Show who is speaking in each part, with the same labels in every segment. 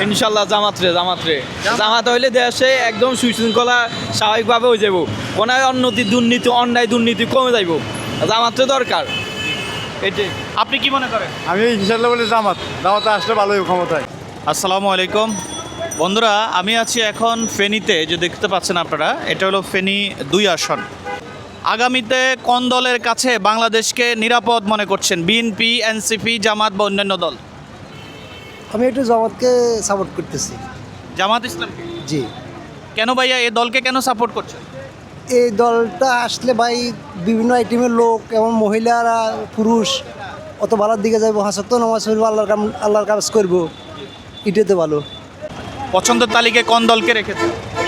Speaker 1: ইনশাল্লাহ জামাত হইলে দেশে একদম সুশৃঙ্খলা স্বাভাবিকভাবে হয়ে যাব, কোনো অন্যায় দুর্নীতি কমে যাইব, জামাতে দরকার এটাই।
Speaker 2: আপনি কি মনে করেন?
Speaker 3: আমি ইনশাল্লাহ বলি জামাতে আসলে ভালোই ক্ষমতায়।
Speaker 2: আসসালামু আলাইকুম বন্ধুরা, আমি আছি এখন ফেনীতে। যে দেখতে পাচ্ছেন আপনারা, এটা হলো ফেনী 2 আসন। আগামীতে কোন দলের কাছে বাংলাদেশকে নিরাপদ মনে করছেন? বিএনপি, এনসিপি, জামাত বা অন্যান্য দল?
Speaker 4: আমি একটু জামাতকে সাপোর্ট করতেছি।
Speaker 2: জামাত ইসলামকে?
Speaker 4: জি।
Speaker 2: কেন ভাইয়া, এই দলকে কেন সাপোর্ট করছেন?
Speaker 4: এই দলটা আসলে ভাই বিভিন্ন আইটেমের লোক এবং মহিলারা পুরুষ অত ভালোর দিকে যাইব, হাসত নামাজ পড়বো, আল্লাহর কাজ করবো, এটাতে ভালো।
Speaker 2: পছন্দের তালিকায় কোন দলকে রেখেছেন?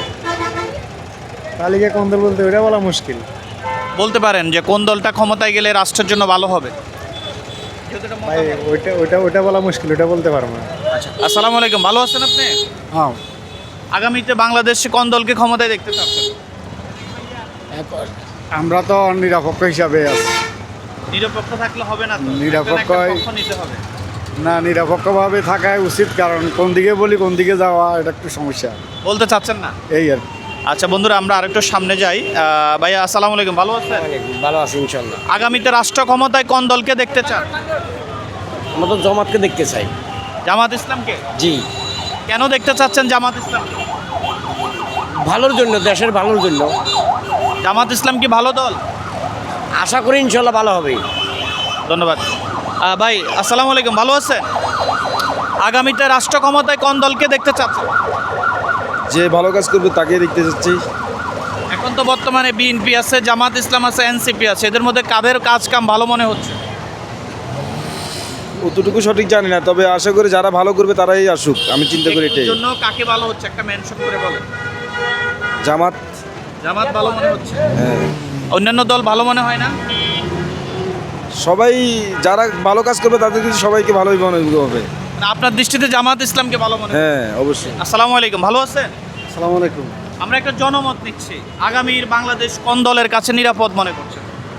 Speaker 3: তালিকা কোন দল বলতে ওইটা বলা মুশকিল।
Speaker 2: বলতে পারেন যে কোন দলটা ক্ষমতায় গেলে রাষ্ট্রের জন্য ভালো হবে?
Speaker 3: ভাই ওইটা বলা মুশকিল, ওইটা বলতে পারবো না।
Speaker 2: আসসালামু আলাইকুম, ভালো আছেন আপনি?
Speaker 3: হ্যাঁ,
Speaker 2: আগামীতে বাংলাদেশে কোন দলকে ক্ষমতায় দেখতে চাচ্ছেন?
Speaker 3: আমরা তো নিরপেক্ষ হিসাবে আছি।
Speaker 2: নিরপেক্ষ থাকলে হবে না তো,
Speaker 3: নিরপেক্ষ
Speaker 2: একটা পক্ষ নিতে হবে।
Speaker 3: না, নিরপেক্ষভাবে থাকাই উচিত, কারণ কোন দিকে বলি কোন দিকে যাওয়া এটা একটু সমস্যা।
Speaker 2: বলতে চাচ্ছেন না?
Speaker 3: এই আর কি।
Speaker 2: আচ্ছা বন্ধুরা, আমরা আরেকটু সামনে যাই। ভাইয়া আসসালামু আলাইকুম, ভালো আছেন?
Speaker 5: ভালো আছি ইনশাল্লাহ।
Speaker 2: আগামীতে রাষ্ট্র ক্ষমতায় কোন দলকে দেখতে চান?
Speaker 5: আমরা তো জামাতকে দেখতে চাই।
Speaker 2: জামাত ইসলামকে?
Speaker 5: জি।
Speaker 2: কেন দেখতে চাচ্ছেন জামাত ইসলাম?
Speaker 5: ভালোর জন্য, দেশের ভালোর জন্য।
Speaker 2: জামাত ইসলাম কি ভালো দল?
Speaker 5: আশা করি ইনশাল্লাহ ভালো হবে।
Speaker 2: ধন্যবাদ। ভাই আসসালামু আলাইকুম, ভালো আছেন? আগামীতে রাষ্ট্র ক্ষমতায় কোন দলকে দেখতে চাচ্ছেন?
Speaker 6: যে ভালো কাজ করবে তাকে দেখতে চাচ্ছি।
Speaker 2: এখন তো বর্তমানে বিএনপি আছে, জামাত ইসলাম আছে, এনসিপি আছে, এদের মধ্যে কাদের কাজ কাম ভালো মনে হচ্ছে?
Speaker 6: অতটুকু সঠিক জানি না, তবে আশা করি যারা ভালো করবে তারাই আসুক, আমি চিন্তা করি এটাই।
Speaker 2: এর জন্য কাকে ভালো হচ্ছে একটা মেনশন করে বলেন।
Speaker 6: জামাত।
Speaker 2: জামাত ভালো মনে হচ্ছে?
Speaker 6: হ্যাঁ,
Speaker 2: অন্যান্য দল ভালো মনে হয় না?
Speaker 6: সবাই যারা ভালো কাজ করবে তাদের কিন্তু সবাইকে ভালোই মনে হবে।
Speaker 2: না, আপনার দৃষ্টিতে জামাত ইসলামকে ভালো মনে হয়?
Speaker 6: হ্যাঁ, অবশ্যই।
Speaker 2: আসসালামু আলাইকুম, ভালো আছেন?
Speaker 3: আসসালামু আলাইকুম।
Speaker 2: আমরা একটা জনমত নিচ্ছি, আগামীর বাংলাদেশ কোন দলের কাছে নিরাপদ মনে করছেন?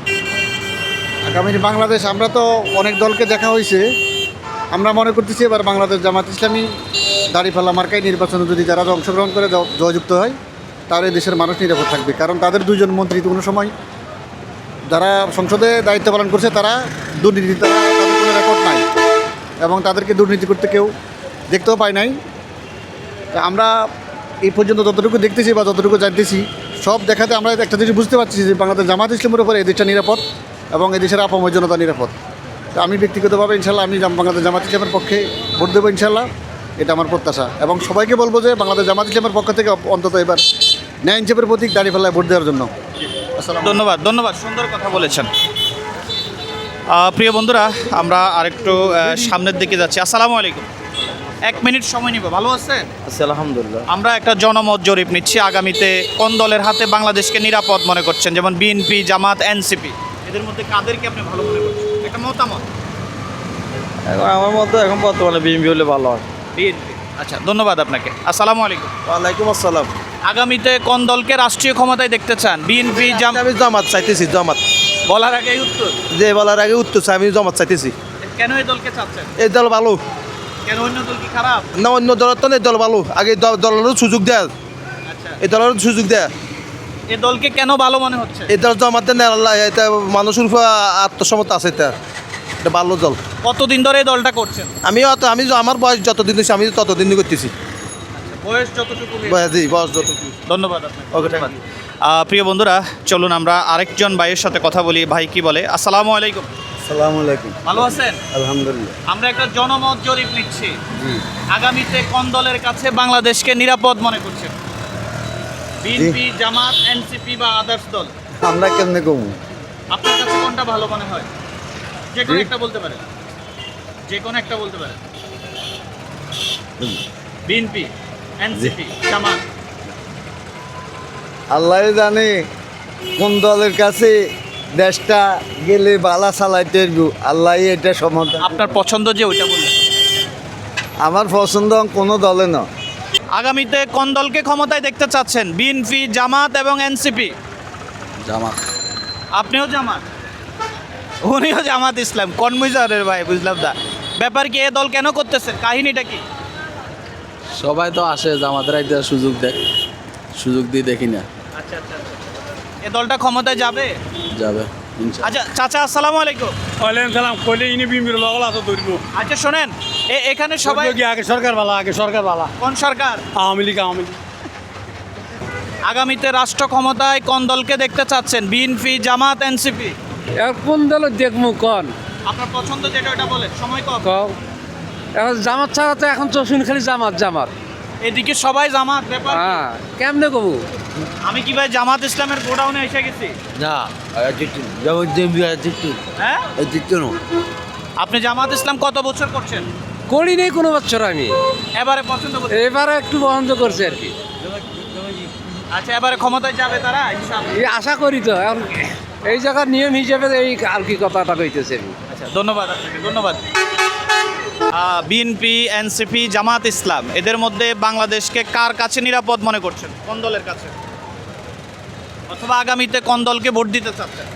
Speaker 3: আগামীর বাংলাদেশ, আমরা তো অনেক দলকে দেখা হয়েছে, আমরা মনে করতেছি এবার বাংলাদেশ জামাত ইসলামী দাঁড়িপাল্লা মার্কায় নির্বাচনে যদি যারা অংশগ্রহণ করে জয়যুক্ত হয়, তাহলে দেশের মানুষ নিরাপদ থাকবে। কারণ তাদের দুজন মন্ত্রী কোনো সময় যারা সংসদে দায়িত্ব পালন করছে তারা দুর্নীতি, তাদের কোনো রেকর্ড নাই এবং তাদেরকে দুর্নীতি করতে কেউ দেখতেও পায় নাই। তা আমরা এই পর্যন্ত যতটুকু দেখতেছি বা যতটুকু জানতেছি, সব দেখাতে আমরা একটা জিনিস বুঝতে পারছি যে বাংলাদেশ জামাত ইসলামের উপরে এই দেশটা নিরাপদ এবং এই দেশের আপামর জনতা নিরাপদ। তো আমি ব্যক্তিগতভাবে ইনশাল্লাহ আমি বাংলাদেশ জামাত ইসলামের পক্ষে ভোট দেবো ইনশাল্লাহ, এটা আমার প্রত্যাশা। এবং সবাইকে বলবো যে বাংলাদেশ জামাত ইসলামের পক্ষ থেকে অন্তত এবার ন্যায় ইনসাফের প্রতীক দাঁড়িপাল্লায় ভোট দেওয়ার জন্য।
Speaker 2: ধন্যবাদ, ধন্যবাদ, সুন্দর কথা বলেছেন। প্রিয় বন্ধুরা, আমরা আরেকটু সামনের দিকে যাচ্ছি। আসসালামু আলাইকুম, 1 মিনিট সময় নিব। ভালো আছেন?
Speaker 1: আচ্ছা, আলহামদুলিল্লাহ।
Speaker 2: আমরা একটা জনমত জরিপ নিচ্ছি, আগামীতে কোন দলের হাতে বাংলাদেশকে নিরাপদ মনে করছেন? যেমন বিএনপি, জামাত, এনসিপি, এদের মধ্যে কাদেরকে আপনি ভালো মনে করছেন? একটা মতামত।
Speaker 1: আমার মতো এখন বর্তমানে বিএনপি হলে ভালো হয়।
Speaker 2: বিএনপি। আচ্ছা, ধন্যবাদ আপনাকে। আসসালামু আলাইকুম।
Speaker 1: ওয়ালাইকুম আসসালাম।
Speaker 2: আগামীতে কোন দলকে রাষ্ট্রীয় ক্ষমতায় দেখতে চান? বিএনপি,
Speaker 7: আমি জামাত চাইতেছি, জামাত।
Speaker 2: বলার আগে উত্তর।
Speaker 7: যে বলার আগে উত্তর চাই, আমি জামাত চাইতেছি।
Speaker 2: কেন এই দলকে চাচ্ছেন?
Speaker 7: এই দল ভালো
Speaker 2: কেন অন্য দল কি খারাপ?
Speaker 7: না, অন্য দলের তো এই দল ভালো। আগে দলেরও সুযোগ দেয়,
Speaker 2: আচ্ছা,
Speaker 7: এই দলেরও সুযোগ দেয়।
Speaker 2: এই দলকে কেন ভালো মনে হচ্ছে?
Speaker 7: এই দল জামাত দেন, আল্লাহ এটা মানুষের উপর আত্মসমতা আছে, এটা ভালো দল।
Speaker 2: কতদিন ধরে এই দলটা করছেন?
Speaker 7: আমি আমার বয়স যতদিন হয়েছে আমি ততদিন করতেছি।
Speaker 2: বয়স যতটুকু।
Speaker 7: বয়স যতটুকু।
Speaker 2: ধন্যবাদ আপনাকে।
Speaker 7: ওকে,
Speaker 2: ধন্যবাদ। প্রিয় বন্ধুরা, চলুন আমরা আরেকজন ভাইয়ের সাথে কথা বলি। ভাই কি বলে? আসসালামু আলাইকুম।
Speaker 3: আসসালামু আলাইকুম।
Speaker 2: ভালো আছেন?
Speaker 3: আলহামদুলিল্লাহ।
Speaker 2: আমরা একটা জনমত জরিপ নিচ্ছি, আগামীতে কোন দলের কাছে বাংলাদেশকে নিরাপদ মনে করছেন? বিএনপি, জামাত, এনসিপি বা আদার্স দল?
Speaker 3: আমরা কেমনে কমু?
Speaker 2: আপনার কাছে কোনটা ভালো মনে হয়? যে কোনো একটা বলতে পারেন, যে কোনো একটা বলতে পারেন। বিএনপি, এনসিপি, জামাত?
Speaker 3: আল্লাহ জানে কোন দলের কাছে দেশটা গেলে বালা চালাইতে আল্লাহ এটা সমাধান।
Speaker 2: আপনার পছন্দ যে ওইটা বললেন।
Speaker 3: আমার পছন্দ কোনো দলে না।
Speaker 2: আগামীতে কোন দলকে ক্ষমতায় দেখতে চাচ্ছেন? বিএনপি, জামাত এবং এনসিপি?
Speaker 6: জামাত।
Speaker 2: আপনিও জামাত? উনিও জামাত ইসলাম। কনমিজারের ভাই, বুঝলাম না ব্যাপার কি, এ দল কেন করতেছেন? কাহিনীটা কি?
Speaker 1: সবাই তো আসে জামাতের একটা সুযোগ দেয়, সুযোগ দিয়ে দেখি না
Speaker 2: আচ্ছা আচ্ছা এ দলটা ক্ষমতায় যাবে?
Speaker 1: যাবে।
Speaker 2: আচ্ছা চাচা আসসালামু আলাইকুম।
Speaker 8: ওয়ালাইকুম সালাম। কইলে ইনি বিমির লগল আছে ধরব।
Speaker 2: আচ্ছা শোনেন, এখানে সবাই
Speaker 8: আগে সরকার বালা, আগে সরকার বালা।
Speaker 2: কোন সরকার?
Speaker 8: আওয়ামী লীগ, আওয়ামী লীগ।
Speaker 2: আগামীতে রাষ্ট্র ক্ষমতায় কোন দলকে দেখতে চাচ্ছেন? BNP, Jamaat, NCP?
Speaker 9: এখন কোন দল দেখবো কন
Speaker 2: আপনার পছন্দ যেটা ওটা বলেন, সময় কম।
Speaker 9: কও এখন জামাত ছাড়া তো এখন তো শুনি খালি জামাত জামাত।
Speaker 2: এদিকে সবাই জামাত ব্যাপার কি?
Speaker 9: হ্যাঁ কেমনে কবু?
Speaker 2: আমি কি ভাই জামাত ইসলামের গোডাউনে এসে গেছি?
Speaker 1: না
Speaker 2: হ্যাঁ আপনি জামাত ইসলাম কত বছর করছেন?
Speaker 9: করি নেই কোনো বছর আমি,
Speaker 2: এবারে পছন্দ করছেন?
Speaker 9: এবারে একটু বন্ধ করছে আর কি।
Speaker 2: আচ্ছা এবারে ক্ষমতায় যাবে তারা ইনশাআল্লাহ?
Speaker 9: এই আশা করি তো এখন এই জায়গার নিয়ম হিসেবে এই আর কি কথাটা কইতেছে আমি।
Speaker 2: আচ্ছা ধন্যবাদ আপনাকে, ধন্যবাদ। বিএনপি, এনসিপি, জামাত ইসলাম এদের মধ্যে বাংলাদেশকে কার কাছে নিরাপদ মনে করছেন? কোন দলের কাছে? অথবা আগামীতে কোন দলকে ভোট দিতে চাচ্ছেন?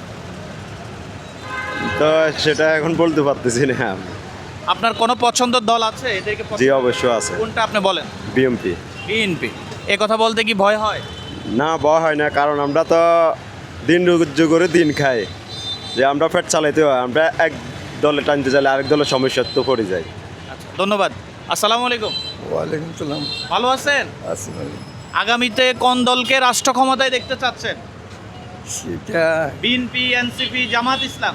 Speaker 10: তো সেটা এখন বলতে পারতেছি না।
Speaker 2: আপনার কোনো পছন্দের দল আছে এদেরকে?
Speaker 10: জি অবশ্যই আছে,
Speaker 2: কোনটা আপনি বলেন?
Speaker 10: বিএমপি।
Speaker 2: বিএনপি। এ কথা বলতে কি ভয় হয়?
Speaker 10: না, ভয় হয় না, কারণ আমরা তো দিন রুজ্জ করে দিন খাই, যে আমরা পেট চালাইতে হয়, আমরা এক দলে টানতে চাইলে আরেক দলের সমস্যার তো পড়ে যাই।
Speaker 2: আচ্ছা ধন্যবাদ। আসসালামু আলাইকুম।
Speaker 3: ওয়ালাইকুম সালাম।
Speaker 2: ভালো আছেন? আগামীতে কোন দলকে রাষ্ট্র ক্ষমতায় দেখতে চাচ্ছেন?
Speaker 3: সেটা
Speaker 2: বিএনপি, এনসিপি, জামাত ইসলাম?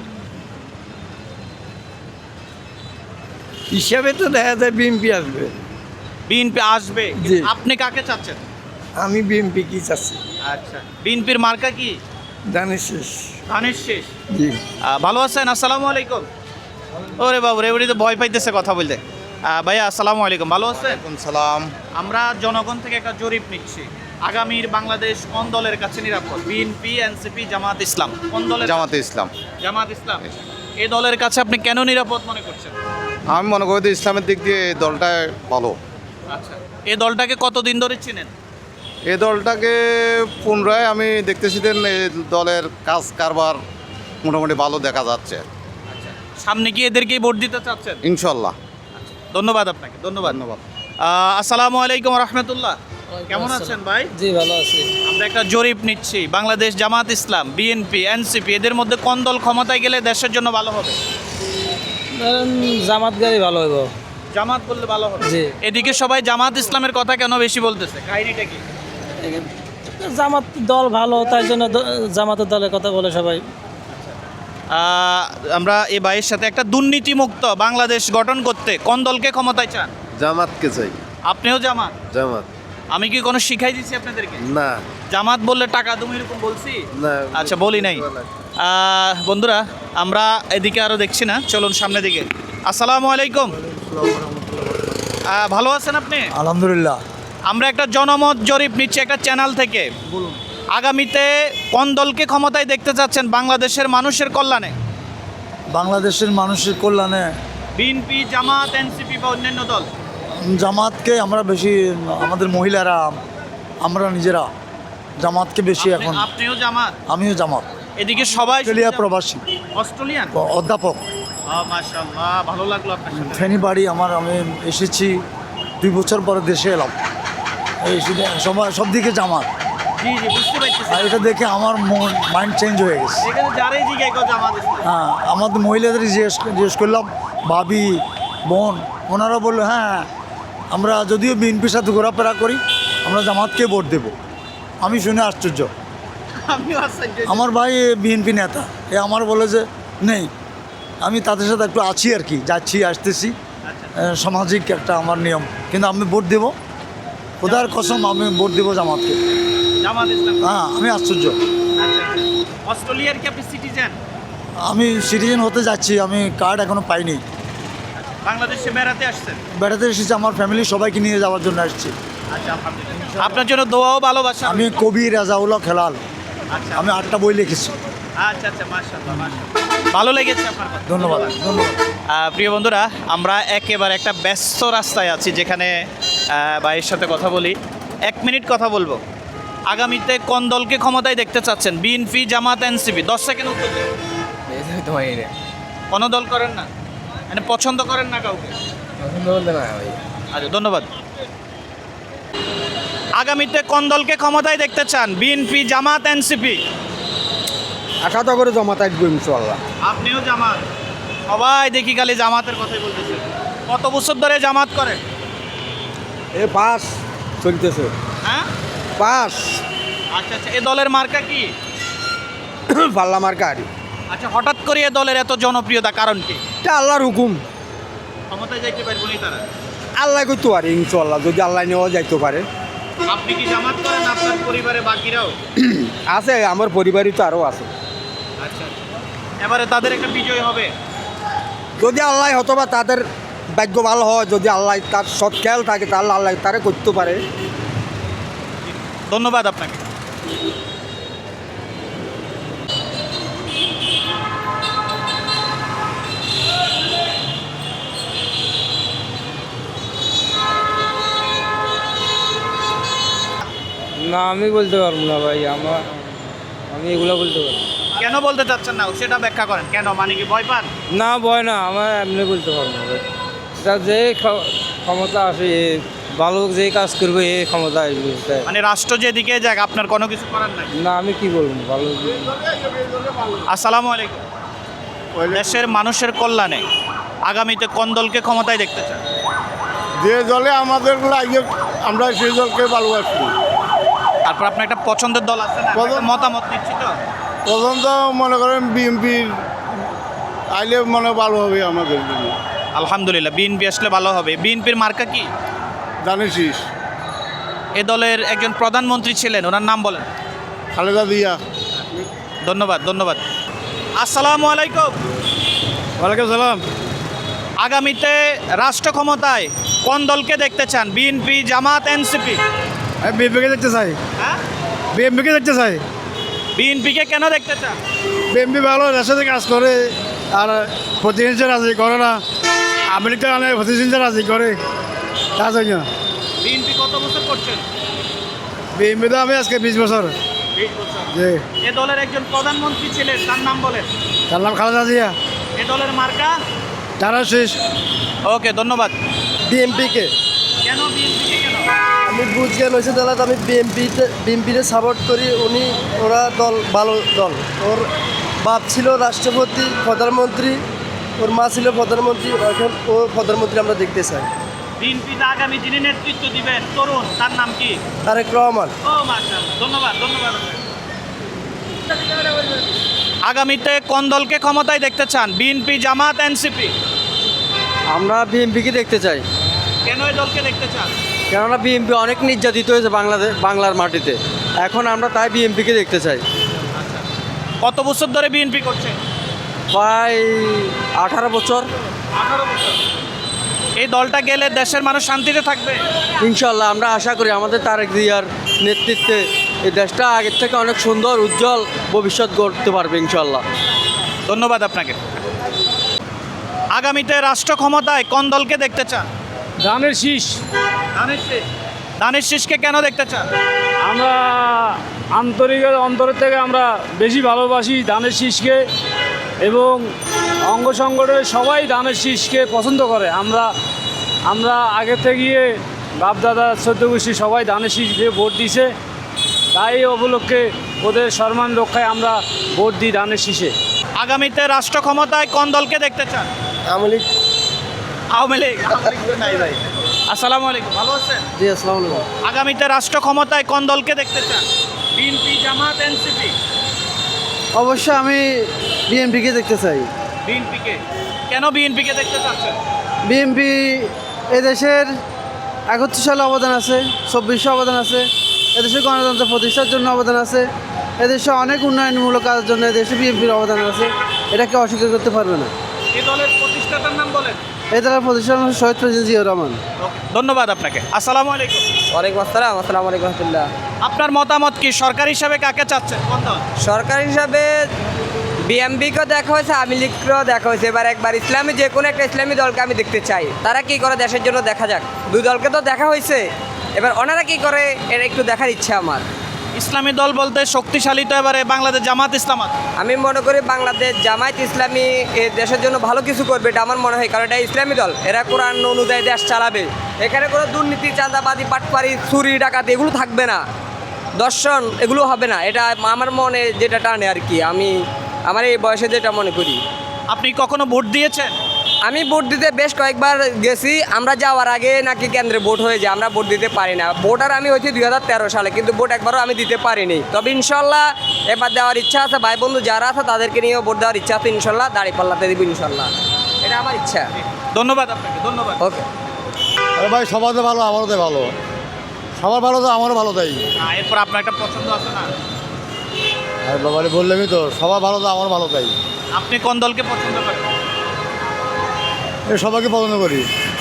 Speaker 3: হিসাবে তো দেখা যায় বিএমপি আসবে।
Speaker 2: বিএনপি আসবে,
Speaker 3: জি।
Speaker 2: আপনি কাকে চাচ্ছেন?
Speaker 3: আমি বিএমপি কি চাচ্ছি
Speaker 2: আচ্ছা বিএনপির মার্কা কি?
Speaker 3: জানিস শেষ।
Speaker 2: ধানের শেষ।
Speaker 3: জি
Speaker 2: ভালো আছেন? আসসালামু আলাইকুম। ওরে বাবু রে, তো ভয় পাইতেছে কথা বলতে। ভাইয়া আসসালামু আলাইকুম, ভালো আছেন?
Speaker 7: সালাম।
Speaker 2: আমরা জনগণ থেকে একটা জরিপ নিচ্ছি, আগামীর বাংলাদেশ কোন দলের কাছে নিরাপদ? BNP, NCP, Jamaat Islam? কোন দলের?
Speaker 7: জামাতে ইসলাম।
Speaker 2: জামাত ইসলাম। এই দলের কাছে আপনি কেন নিরাপদ মনে করছেন?
Speaker 7: আমি মনে করি যে ইসলামের দিক দিয়ে এই দলটা ভালো।
Speaker 2: আচ্ছা এই দলটাকে কতদিন ধরে চিনেন?
Speaker 7: এই দলটাকে পুনরায় আমি দেখতেছি যে এই দলের কাজ কারবার মোটামুটি ভালো দেখা যাচ্ছে।
Speaker 2: সামনে কি এদেরকেই ভোট দিতে চাচ্ছেন?
Speaker 7: ইনশাল্লাহ।
Speaker 2: ধন্যবাদ আপনাকে, ধন্যবাদ।
Speaker 7: ধন্যবাদ।
Speaker 2: আসসালামু আলাইকুম রহমতুল্লাহ। কেমন আছেন ভাই?
Speaker 1: জি ভালো আছি।
Speaker 2: আমরা একটা জরিপ নিচ্ছি, বাংলাদেশ জামাত ইসলাম, বিএনপি, এনসিপি এদের মধ্যে কোন দল ক্ষমতায় গেলে দেশের জন্য ভালো হবে?
Speaker 1: জামাত গাড়ি ভালো হইব।
Speaker 2: জামাত বললে ভালো হবে।
Speaker 1: জি।
Speaker 2: এদিকে সবাই জামাত ইসলামের কথা কেন বেশি বলতেছে, কাহিনীটা কি?
Speaker 1: জামাত দল ভালো, তাই জন্য জামাতের দলের কথা বলে সবাই।
Speaker 2: আমরা এই ভাইয়ের সাথে একটা দুর্নীতিমুক্ত বাংলাদেশ গঠন করতে কোন দলকে ক্ষমতায় চান?
Speaker 7: জামাতকে চাই।
Speaker 2: আপনিও জামাত?
Speaker 7: জামাত।
Speaker 2: আমি কি কোনো শিখাই দিচ্ছি আপনাদেরকে?
Speaker 7: না
Speaker 2: জামাত বললে টাকা তুমি এরকম বলছি?
Speaker 7: না।
Speaker 2: আচ্ছা বলি নাই। বন্ধুরা আমরা এদিকে আরও দেখছি না, চলুন সামনের দিকে। আসসালামু আলাইকুম। ভালো আছেন আপনি?
Speaker 3: আলহামদুলিল্লাহ।
Speaker 2: আমরা একটা জনমত জরিপ নিচ্ছি একটা চ্যানেল থেকে। বলুন আগামীতে কোন দলকে ক্ষমতায় দেখতে চাচ্ছেন বাংলাদেশের মানুষের কল্যাণে?
Speaker 3: বাংলাদেশের মানুষের কল্যাণে
Speaker 2: বিএনপি, জামাত, এনসিপি বা অন্যান্য দল?
Speaker 3: জামাতকে আমরা বেশি, আমাদের মহিলারা, আমরা নিজেরা জামাতকে বেশি এখন।
Speaker 2: আপনিও জামাত?
Speaker 3: আমিও জামাত।
Speaker 2: এদিকে সবাই
Speaker 3: অস্ট্রেলিয়া প্রবাসী,
Speaker 2: অস্ট্রেলিয়ান
Speaker 3: অধ্যাপক।
Speaker 2: মাশাআল্লাহ, ভালো লাগলো আপনার সাথে।
Speaker 3: ফেনী বাড়ি আমার। আমি এসেছি 2 বছর পরে দেশে এলাম। এই সব দিকে জামাত।
Speaker 2: জি জি বুঝতে পারছি।
Speaker 3: আর এটা দেখে আমার মাইন্ড চেঞ্জ হয়ে গেছে।
Speaker 2: এখানে যারাই জিজ্ঞাসা করে জামাত ইসলাম।
Speaker 3: হ্যাঁ, আমাদের মহিলাদের জিজ্ঞেস করলাম, ভাবি, বোন, ওনারা বললো হ্যাঁ আমরা যদিও বিএনপির সাথে ঘোরাফেরা করি, আমরা জামাতকে ভোট দেব। আমি শুনে আশ্চর্য।
Speaker 2: আমিও আশ্চর্য।
Speaker 3: আমার ভাই বিএনপি নেতা, আমার বলে যে নেই, আমি তাদের সাথে একটু আছি আর কি, যাচ্ছি আসতেছি, সামাজিক একটা আমার নিয়ম, কিন্তু আমি ভোট দেব, খোদার কসম আমি ভোট দেবো জামাতকে।
Speaker 2: জামাত ইসলাম।
Speaker 3: হ্যাঁ, আমি আশ্চর্য।
Speaker 2: আচ্ছা অস্ট্রেলিয়ার কি আপনি সিটিজেন?
Speaker 3: আমি সিটিজেন হতে যাচ্ছি, আমি কার্ড এখনো পাইনি।
Speaker 2: বাংলাদেশে বেড়াতে আসছেন?
Speaker 3: বেড়াতে এসেছি, আমার ফ্যামিলি সবাইকে নিয়ে যাওয়ার জন্য আসছি।
Speaker 2: আচ্ছা আলহামদুলিল্লাহ। আপনার জন্য দোয়া ও ভালোবাসা।
Speaker 3: আমি কবি রাজাউল্লাহ খেলাল,
Speaker 2: আচ্ছা
Speaker 3: আমি 8টা বই লিখেছি।
Speaker 2: আচ্ছা আচ্ছা মাশাআল্লাহ মাশাআল্লাহ, ভালো লেগেছে আপনার কথা।
Speaker 3: ধন্যবাদ ধন্যবাদ।
Speaker 2: প্রিয় বন্ধুরা আমরা একেবারে একটা ব্যস্ত রাস্তায় আছি, যেখানে ভাইয়ের সাথে কথা বলি। 1 মিনিট কথা বলবো। আগামীতে কোন দলকে ক্ষমতায় দেখতে চাচ্ছেন? BNP, Jamaat, NCP? 10 সেকেন্ড উত্তর দিন। কোনো দল করেন না, মানে পছন্দ করেন না কাউকে?
Speaker 1: পছন্দ বলতে না ভাই।
Speaker 2: আচ্ছা ধন্যবাদ। আগামীতে কোন দলকে ক্ষমতায় দেখতে চান, বিএনপি, জামাত, এনসিপি?
Speaker 3: আশা তো করে জমাতে আসবো ইনশাল্লাহ।
Speaker 2: আপনিও জামাত? সবাই দেখি খালি জামাতের কথাই বলতেছে। কত বছর ধরে জামাত করেন?
Speaker 3: এ পাস চলতেছে,
Speaker 2: হ্যাঁ,
Speaker 3: পাস
Speaker 2: আচ্ছা আচ্ছা। এ দলের মার্কা কি?
Speaker 3: পাল্লা মার্কারি।
Speaker 2: আচ্ছা, হঠাৎ করে এ দলের এত জনপ্রিয়তা কারণ কি?
Speaker 3: এটা আল্লাহর হুকুম,
Speaker 2: ক্ষমতায় যাইতে পারবো নি তারা?
Speaker 3: আল্লাহ করতে পারে ইনশাল্লাহ, যদি আল্লাহ নেওয়া যাইতে পারে।
Speaker 2: আপনি কি জামাত করেন? আপনার পরিবারে বাকিরাও?
Speaker 3: আছে, আমার পরিবারই তো আরও আছে।
Speaker 2: আচ্ছা, এবারে তাদের একটা বিজয় হবে।
Speaker 3: যদি আল্লাহ হতো বা তাদের ভাগ্য ভালো হয়, যদি আল্লাহ তার সৎ খেয়াল থাকে তাহলে আল্লাহ তারা করতে পারে।
Speaker 2: ধন্যবাদ আপনাকে।
Speaker 9: না আমি বলতে পারবো না ভাই, আমি এগুলো বলতে পারবো
Speaker 2: কেন বলতে চাচ্ছেন না সেটা ব্যাখ্যা করেন। কেন, মানে কি ভয় পান?
Speaker 9: না। ভয় না, আমার এমনি বলতে পারবো না ভাই। এটা যে ক্ষমতা আসে, ভালো যে কাজ করবে এই ক্ষমতা আসবে তাই।
Speaker 2: মানে রাষ্ট্র যেদিকে যাক আপনার কোনো কিছু করার নাই?
Speaker 9: না আমি কি বলবো, ভালো।
Speaker 2: আসসালামু আলাইকুম। দেশের মানুষের কল্যাণে আগামীতে কোন দলকে ক্ষমতায় দেখতে চান?
Speaker 7: যে দলে আমাদের লাগে আমরা সেই দলকে ভালোবাসি।
Speaker 2: তারপর আপনার একটা পছন্দের দল আছে না? একটা মতামত নিচ্ছি তো।
Speaker 7: প্রথম তো মনে করেন বিএনপির আইলে মনে ভালো হবে আমাদের জন্য।
Speaker 2: আলহামদুলিল্লাহ, বিএনপি আসলে ভালো হবে। বিএনপির মার্কা কি?
Speaker 7: জানিস
Speaker 2: এ দলের একজন প্রধানমন্ত্রী ছিলেন, ওনার নাম বলেন।
Speaker 7: খালেদা জিয়া।
Speaker 2: ধন্যবাদ ধন্যবাদ। আসসালামু আলাইকুম।
Speaker 8: ওয়ালাইকুম সালাম।
Speaker 2: আগামীতে রাষ্ট্র ক্ষমতায় কোন দলকে দেখতে চান, বিএনপি, জামাত, এনসিপি?
Speaker 8: আমি বিএমপিকে দেখতে চাই,
Speaker 2: হ্যাঁ,
Speaker 8: বিএমপিকে দেখতে চাই।
Speaker 2: বিএনপিকে কেন দেখতে চান?
Speaker 8: বিএমপি ভালো, দেশের সাথে কাজ করে আর প্রতিহিংসা রাজি করে না। আমেরিকা অনেক প্রতিহিংসা রাজি করে, তার জন্য।
Speaker 2: বিএনপি কত বছর করছেন?
Speaker 8: বিএমপি তো আমি আজকে 20 বছর।
Speaker 2: 20 বছর।
Speaker 8: যে
Speaker 2: এ দলের একজন প্রধানমন্ত্রী ছিলেন, তার নাম বলেন।
Speaker 8: তার নাম খালেদা জিয়া।
Speaker 2: এ দলের মার্কা?
Speaker 8: তারা শেষ।
Speaker 2: ওকে, ধন্যবাদ।
Speaker 4: বিএমপিকে
Speaker 2: কেন বিএনপিকে কেন?
Speaker 4: আমি বুঝজ্ঞান হয়েছে তাহলে আমি বিএমপিতে সাপোর্ট করি। ওরা দল ভালো দল। ওর বাপ ছিল রাষ্ট্রপতি, প্রধানমন্ত্রী, ওর মা ছিল প্রধানমন্ত্রী, এখন ও প্রধানমন্ত্রী আমরা দেখতে চাই।
Speaker 2: বিএনপিতে আগামী যিনি নেতৃত্ব দিবেন তরুণ, তার নাম কি?
Speaker 4: তারেক রহমান।
Speaker 2: ও মাশাআল্লাহ, ধন্যবাদ ধন্যবাদ। আগামীতে কোন দলকে ক্ষমতায় দেখতে চান, বিএনপি, জামাত, এনসিপি?
Speaker 9: আমরা বিএমপিকে দেখতে চাই,
Speaker 2: কেন এই দলকে দেখতে চান?
Speaker 9: কেননা বিএমপি অনেক নির্যাতিত হয়েছে বাংলার মাটিতে, এখন আমরা তাই বিএমপিকে দেখতে চাই।
Speaker 2: কত বছর ধরে বিএনপি করছে?
Speaker 9: প্রায় 18 বছর।
Speaker 2: 18 বছর। এই দলটা গেলে দেশের মানুষ শান্তিতে থাকবে
Speaker 9: ইনশাল্লাহ আমরা আশা করি আমাদের তারেক জিয়ার নেতৃত্বে এই দেশটা আগের থেকে অনেক সুন্দর উজ্জ্বল ভবিষ্যৎ গড়তে পারবে ইনশাল্লাহ।
Speaker 2: ধন্যবাদ আপনাকে। আগামীতে রাষ্ট্র ক্ষমতায় কোন দলকে দেখতে চান?
Speaker 8: ধানের শীষ।
Speaker 2: ধানের শীষকে কেন দেখতে চান?
Speaker 8: আমরা অন্তরের থেকে আমরা বেশি ভালোবাসি ধানের শীষকে, এবং অঙ্গ সংগঠনের সবাই ধানের শীষকে পছন্দ করে। আমরা আগে থেকে বাপদাদা 14 গোষ্ঠী সবাই ধানের শীষ দিয়ে ভোট দিছে, তাই উপলক্ষে ওদের সম্মান রক্ষায় আমরা ভোট দিই ধানের শীষে।
Speaker 2: আগামীতে রাষ্ট্র ক্ষমতায় কোন দলকে দেখতে চান?
Speaker 4: আওয়ামী লীগ।
Speaker 2: আওয়ামী লীগ? নাই ভাই। আসসালামু আলাইকুম, ভালো আছেন?
Speaker 4: জি আসসালামু আলাইকুম।
Speaker 2: আগামীতে রাষ্ট্র ক্ষমতায় কোন দলকে দেখতে চান, বিএনপি, জামাত, এনসিপি?
Speaker 4: অবশ্যই আমি বিএনপিকে দেখতে চাই।
Speaker 2: বিএনপিকে কেন বিএনপিকে দেখতে চাচ্ছেন?
Speaker 4: বিএনপি এদেশের 71 সালে অবদান আছে, 2400 অবদান আছে, এদেশের গণতন্ত্র প্রতিষ্ঠার জন্য অবদান আছে, এদেশে অনেক উন্নয়নমূলক কাজের জন্য এদেশে বিএনপির অবদান আছে, এটাকে অস্বীকার করতে পারবে না।
Speaker 2: এই দলের প্রতিষ্ঠাতার নাম বলেন।
Speaker 4: এই দলের প্রতিষ্ঠান হচ্ছে শহীদ প্রেসিডেন্ট জিয়াউর রহমান।
Speaker 2: ধন্যবাদ আপনাকে। আসসালামু আলাইকুম।
Speaker 9: ওয়ালাইকুম আসসালাম। আসসালামু আলাইকুম রহমতুল্লাহ।
Speaker 2: আপনার মতামত কি? সরকার হিসাবে কাকে চাচ্ছেন, কোন দল?
Speaker 9: সরকার হিসাবে বিএমপিকেও দেখা হয়েছে, আওয়ামী লীগকেও দেখা হয়েছে, এবার একবার ইসলামী যে কোনো একটা ইসলামী দলকে আমি দেখতে চাই। তারা কি করে দেশের জন্য দেখা যাক। দুই দলকে তো দেখা হয়েছে, এবার ওনারা কি করে এটা একটু দেখার ইচ্ছা আমার।
Speaker 2: ইসলামী দল বলতে শক্তিশালী তো এবারে বাংলাদেশ জামাত ইসলাম আছে।
Speaker 9: আমি মনে করি বাংলাদেশ জামায়াত ইসলামী এ দেশের জন্য ভালো কিছু করবে, এটা আমার মনে হয়, কারণ এটা ইসলামী দল, এরা কোরআন অনুযায়ী দেশ চালাবে। এখানে কোনো দুর্নীতি, চাঁদাবাজি, পাটপাড়ি, চুরি, ডাকাতি এগুলো থাকবে না, দর্শন এগুলো হবে না। এটা আমার মনে যেটা টানে আর কি, আমি আমার এই বয়সে যেটা মনে করি।
Speaker 2: আপনি কখনো ভোট দিয়েছেন?
Speaker 9: আমি ভোট দিতে বেশ কয়েকবার গেছি। আমরা যাওয়ার আগে নাকি কেন্দ্রে ভোট হয়ে যায়, আমরা ভোট দিতে পারি না। ভোটার আমি হয়েছি 2013 সালে, কিন্তু ভোট একবারও আমি দিতে পারিনি। তবে ইনশাল্লাহ এবার দেওয়ার ইচ্ছা আছে, ভাই বন্ধু যারা আছে তাদেরকে নিয়েও ভোট দেওয়ার ইচ্ছা আছে। ইনশাল্লাহ দাঁড়িপাল্লাতে দিব ইনশাল্লাহ, এটা আমার ইচ্ছা।
Speaker 2: ধন্যবাদ আপনাকে, ধন্যবাদ।
Speaker 9: ওকে।
Speaker 3: আরে ভাই সবার তো ভালো, আমারও তো ভালো, সবার ভালো তো আমারও ভালো তাই।
Speaker 2: এরপর আপনার একটা পছন্দ আছে না?
Speaker 3: আরে বাবারে বললামই তো, সবার ভালো তো আমারও ভালো তাই।
Speaker 2: আপনি কোন দলকে পছন্দ করেন?
Speaker 3: সবাইকে পছন্দ করি।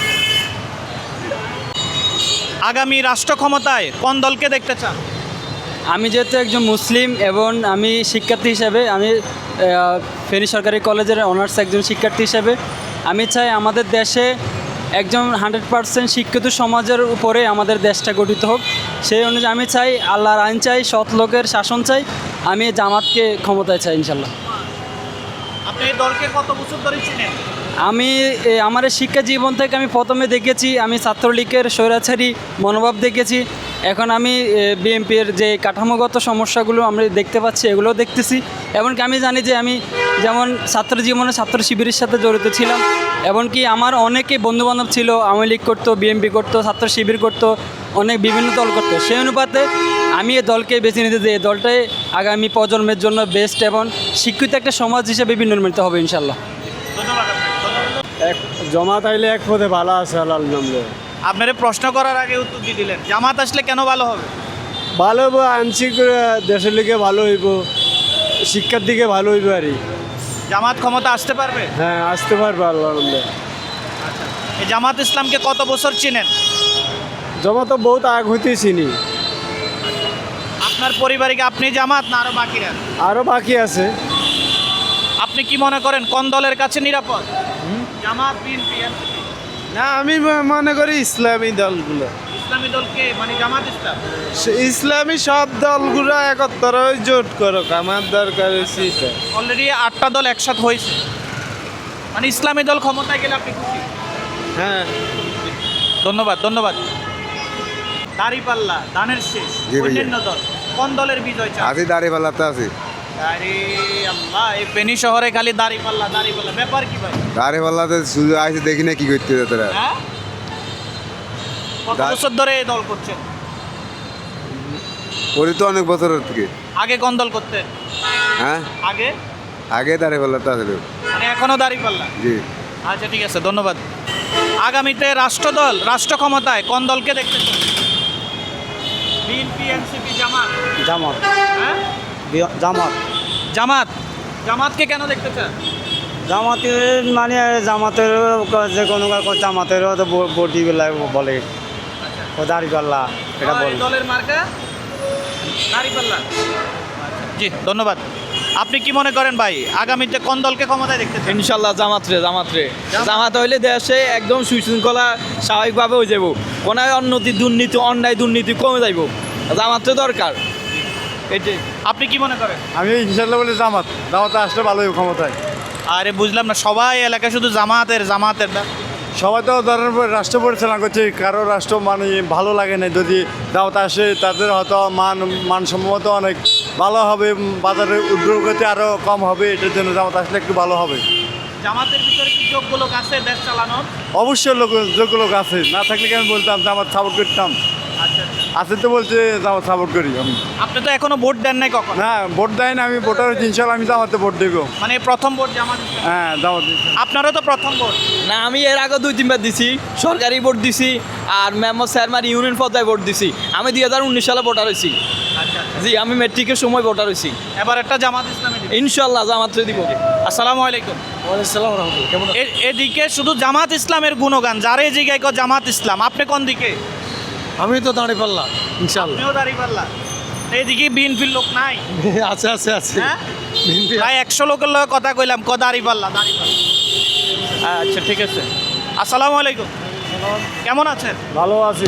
Speaker 2: আগামী রাষ্ট্র ক্ষমতায় কোন দলকে দেখতে চান?
Speaker 1: আমি যেহেতু একজন মুসলিম এবং আমি শিক্ষার্থী হিসাবে, আমি ফেনী সরকারি কলেজের অনার্স একজন শিক্ষার্থী হিসাবে আমি চাই আমাদের দেশে একজন 100% শিক্ষিত সমাজের উপরে আমাদের দেশটা গঠিত হোক। সেই অনুযায়ী আমি চাই আল্লাহর আইন চাই, সৎ লোকের শাসন চাই। আমি জামাতকে ক্ষমতায় চাই ইনশাল্লাহ।
Speaker 2: আপনি এই দলকে কত বছর ধরে চিনেন?
Speaker 1: আমি আমার এই শিক্ষা জীবন থেকে আমি প্রথমে দেখেছি, আমি ছাত্রলীগের স্বৈরাচারী মনোভাব দেখেছি। এখন আমি বিএনপির যে কাঠামোগত সমস্যাগুলো আমরা দেখতে পাচ্ছি, এগুলোও দেখতেছি। এমনকি আমি জানি যে আমি যেমন ছাত্র জীবনে ছাত্র শিবিরের সাথে জড়িত ছিলাম, এমনকি আমার অনেকে বন্ধুবান্ধব ছিল, আওয়ামী লীগ করতো, বিএনপি করতো, ছাত্র শিবির করতো, অনেক বিভিন্ন দল করতো। সেই অনুপাতে আমি এই দলকে বেছে নিতে যে এই দলটাই আগামী প্রজন্মের জন্য বেস্ট এবং শিক্ষিত একটা সমাজ হিসেবে বিনির্মিত হবে ইনশাল্লাহ।
Speaker 8: জমাত আইলে এক পথে ভালো আছে আল্লাহ নামলে।
Speaker 2: আপনার প্রশ্ন করার আগে উত্তর দিয়ে দিলেন। জামাত আসলে কেন ভালো হবে?
Speaker 8: ভালো হইব, আংশিক দেশের লিগে ভালো হইব, শিক্ষার দিকে ভালো হইব আর
Speaker 2: জামাত ক্ষমতা আসতে পারবে?
Speaker 8: হ্যাঁ, আসতে পারবে আল্লাহ নামলে।
Speaker 2: এই জামাত ইসলামকে কত বছর চিনেন?
Speaker 8: জমা তো বহুত আগ হইতেই চিনি,
Speaker 2: আপনার পরিবারে কি আপনি জামাত না আরো বাকিরা?
Speaker 8: আরও বাকি আছে।
Speaker 2: আপনি কি মনে করেন কোন দলের কাছে নিরাপদ? জামাত, বিএনপি?
Speaker 8: না, আমি মনে করি ইসলামী দলগুলো,
Speaker 2: ইসলামী দলকে মানে জামাত ইসলাম,
Speaker 8: ইসলামী সব দলগুলো একত্র হয়ে জোট করো, আমার দরকার হচ্ছে এটা।
Speaker 2: অলরেডি 8টা দল একসাথে হয়েছে, মানে ইসলামী দল ক্ষমতায় গেলে আপনি খুশি?
Speaker 8: হ্যাঁ,
Speaker 2: ধন্যবাদ, ধন্যবাদ। দাঁড়িপাল্লা, ধানের শেষ,
Speaker 3: জি ভাইয়া।
Speaker 2: অন্যান্য দল, কোন দলের বিজয় চান?
Speaker 3: আছি দাঁড়িপাল্লাতে আছি।
Speaker 2: আরে আল্লাহ, এই ফেনী শহরে খালি দাঁড়িপাল্লা, দাঁড়িপাল্লা, ব্যাপার কি ভাই?
Speaker 3: দাঁড়িপাল্লাতে শুধু আইসে দেখি না কি করতে তোরা।
Speaker 2: হ্যাঁ, কত বছর ধরে এই দল করছেন?
Speaker 3: করি তো অনেক বছরের থেকে।
Speaker 2: আগে কোন দল করতেন?
Speaker 3: হ্যাঁ,
Speaker 2: আগে
Speaker 3: আগে দাঁড়িপাল্লাতে আসলে।
Speaker 2: মানে এখনো দাঁড়িপাল্লা?
Speaker 3: জি।
Speaker 2: আচ্ছা, ঠিক আছে, ধন্যবাদ। আগামীতে রাষ্ট্রদল, রাষ্ট্র ক্ষমতায় কোন দলকে দেখতে চান? বিএনপি, এনসিপি, জামাত?
Speaker 8: জামাত,
Speaker 2: হ্যাঁ,
Speaker 8: জামাত,
Speaker 2: জামাত। জামাতকে কেন দেখতে চান?
Speaker 8: জামাতের মানে জামাতের যে কোনো জামাতেরও তো বডি বলে ও দাঁড়িপাল্লা, এটা
Speaker 2: আর এই
Speaker 8: বলে।
Speaker 2: দলের মার্কা দাঁড়িপাল্লা। জি, ধন্যবাদ। আপনি কি মনে করেন ভাই, আগামীতে কোন দলকে ক্ষমতায় দেখতে চান?
Speaker 1: ইনশাল্লাহ জামাত হইলে দেশে একদম সুশৃঙ্খলা স্বাভাবিকভাবে হয়ে যাব। কোনো দুর্নীতি, অন্যায় দুর্নীতি কমে যাইব, জামাতে দরকার এটাই।
Speaker 2: আপনি কি মনে করেন?
Speaker 3: আমি ইনশাল্লাহ বলি জামাতে আসলে ভালোই ক্ষমতায়।
Speaker 2: আরে বুঝলাম না, সবাই এলাকায় শুধু জামাতের জামাতের।
Speaker 3: সবাই তো ধরেন রাষ্ট্র পরিচালনা করছে, কারো রাষ্ট্র মানে ভালো লাগে না। যদি দাওয়াত আসে তাদের হয়তো মানসম্মত অনেক ভালো হবে, বাজারের উদ্যোগতি আরও কম হবে। এটার জন্য জামাত আসলে একটু ভালো হবে।
Speaker 2: জামাতের ভিতরে কি যোগ্য লোক আছে দেশ চালানোর?
Speaker 3: অবশ্যই যোগ্য লোক আছে, না থাকলে কি আমি বলতাম জামাত সাপোর্ট করতাম।
Speaker 2: আচ্ছা,
Speaker 3: আছে তো বলছে জামাত সাপোর্ট করি আমি।
Speaker 2: আপনি তো এখনো ভোট দেন নাই কখন?
Speaker 3: না, ভোট দেয় না, আমি ভোটার হচ্ছি, ইনশাল্লাহ আমি জামাতে ভোট দেবো।
Speaker 2: মানে প্রথম ভোট জামাত?
Speaker 3: হ্যাঁ, জামাত।
Speaker 2: আপনারও তো প্রথম ভোট?
Speaker 1: না, আমি এর আগে 2-3 বার দিছি, সরকারি ভোট দিছি আর মেম্বার চেয়ারম্যান ইউনিয়ন পর্যায়ে ভোট দিছি। আমি 2019 সালে ভোটার হয়েছি।
Speaker 2: আচ্ছা,
Speaker 1: জি, আমি মেট্রিকের সময় ভোটার হয়েছি।
Speaker 2: এবার একটা জামাত ইসলামী দিবেন?
Speaker 1: ইনশাল্লাহ জামাতে দিব।
Speaker 2: আসসালামু আলাইকুম।
Speaker 1: ওয়ালাইকুম রহমতুল্লাহ। কেমন?
Speaker 2: এদিকে শুধু জামাত ইসলামের গুণগান, যারা এই জায়গায় কয় জামাত ইসলাম। আপনি কোন দিকে?
Speaker 3: আমি তো দাঁড়িপাল্লা ইনশাল্লাহ।
Speaker 2: আপনিও দাঁড়িপাল্লা। এইদিকে বিএনপির লোক নাই?
Speaker 3: আছে আছে আছে।
Speaker 2: হ্যাঁ, প্রায় 100 লোকের লগে কথা কইলাম, দাঁড়িপাল্লা, দাঁড়িপাল্লা। আচ্ছা, ঠিক আছে। আসসালামু আলাইকুম। কেমন আছেন?
Speaker 8: ভালো আছি।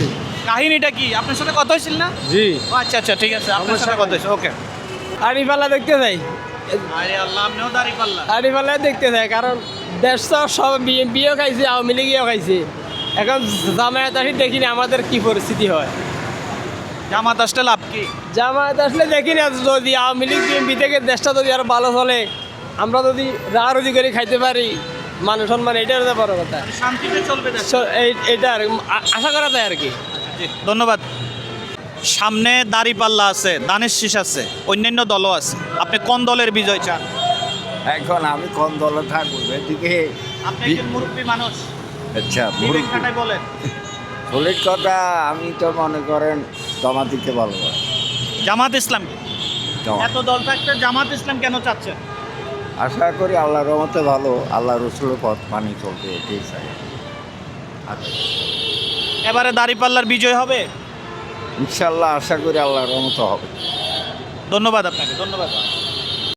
Speaker 2: কাহিনীটা কি? আপনার সাথে কথা হয়েছিল না?
Speaker 8: জি।
Speaker 2: ও আচ্ছা আচ্ছা, ঠিক আছে, আপনার সাথে কথা হয়েছে, ওকে।
Speaker 8: দাড়িপাল্লা দেখতে যাই,
Speaker 2: আরে আল্লাহ, আপনিও দাড়ি পাল্লা।
Speaker 8: দাড়িপাল্লা দেখতে যাই, কারণ দেশ তো সব বিএনপিও খাইছে, আওয়ামী লীগও খাইছে। এখন জামায়াত আসি দেখিনি আমাদের কি পরিস্থিতি হয়।
Speaker 2: জামাত আসলে লাভ কি?
Speaker 8: জামায়াত আসলে দেখি না, যদি আওয়ামী লীগ বিএনপি থেকে দেশটা যদি আরো ভালো চলে, আমরা যদি রাহারুজি করে খাইতে পারি, মান সম্মান, এটার তো বড় কথা।
Speaker 2: শান্তিতে চলবে দেশ।
Speaker 8: এইটা আর আশা করা যায় আর কি।
Speaker 2: জি, ধন্যবাদ। সামনে দাঁড়িপাল্লা আছে, ধানের শীষ আছে, অন্যান্য দলও আছে, আপনি কোন দলের বিজয় চান?
Speaker 11: এখন আমি কোন দলে থাকবো এদিকে?
Speaker 2: আপনি একজন মুরব্বী মানুষ,
Speaker 11: আচ্ছা
Speaker 2: বিবেক খাটায় বলেন।
Speaker 11: ভুলের কথা আমি তো মনে করেন জামাতিকে ভালোবাসি।
Speaker 2: জামাত ইসলাম।
Speaker 11: জামাত।
Speaker 2: এত দল থাকতে জামাত ইসলাম কেন চাচ্ছেন?
Speaker 11: আশা করি আল্লাহর রহমতে ভালো, আল্লাহ রসুলের পথ মানি চলবে, এটাই চাই। আচ্ছা,
Speaker 2: এবারে দাঁড়িপাল্লার বিজয় হবে?
Speaker 11: ইনশাল্লাহ আশা করি আল্লাহর রহমতে হবে।
Speaker 2: ধন্যবাদ আপনাকে, ধন্যবাদ।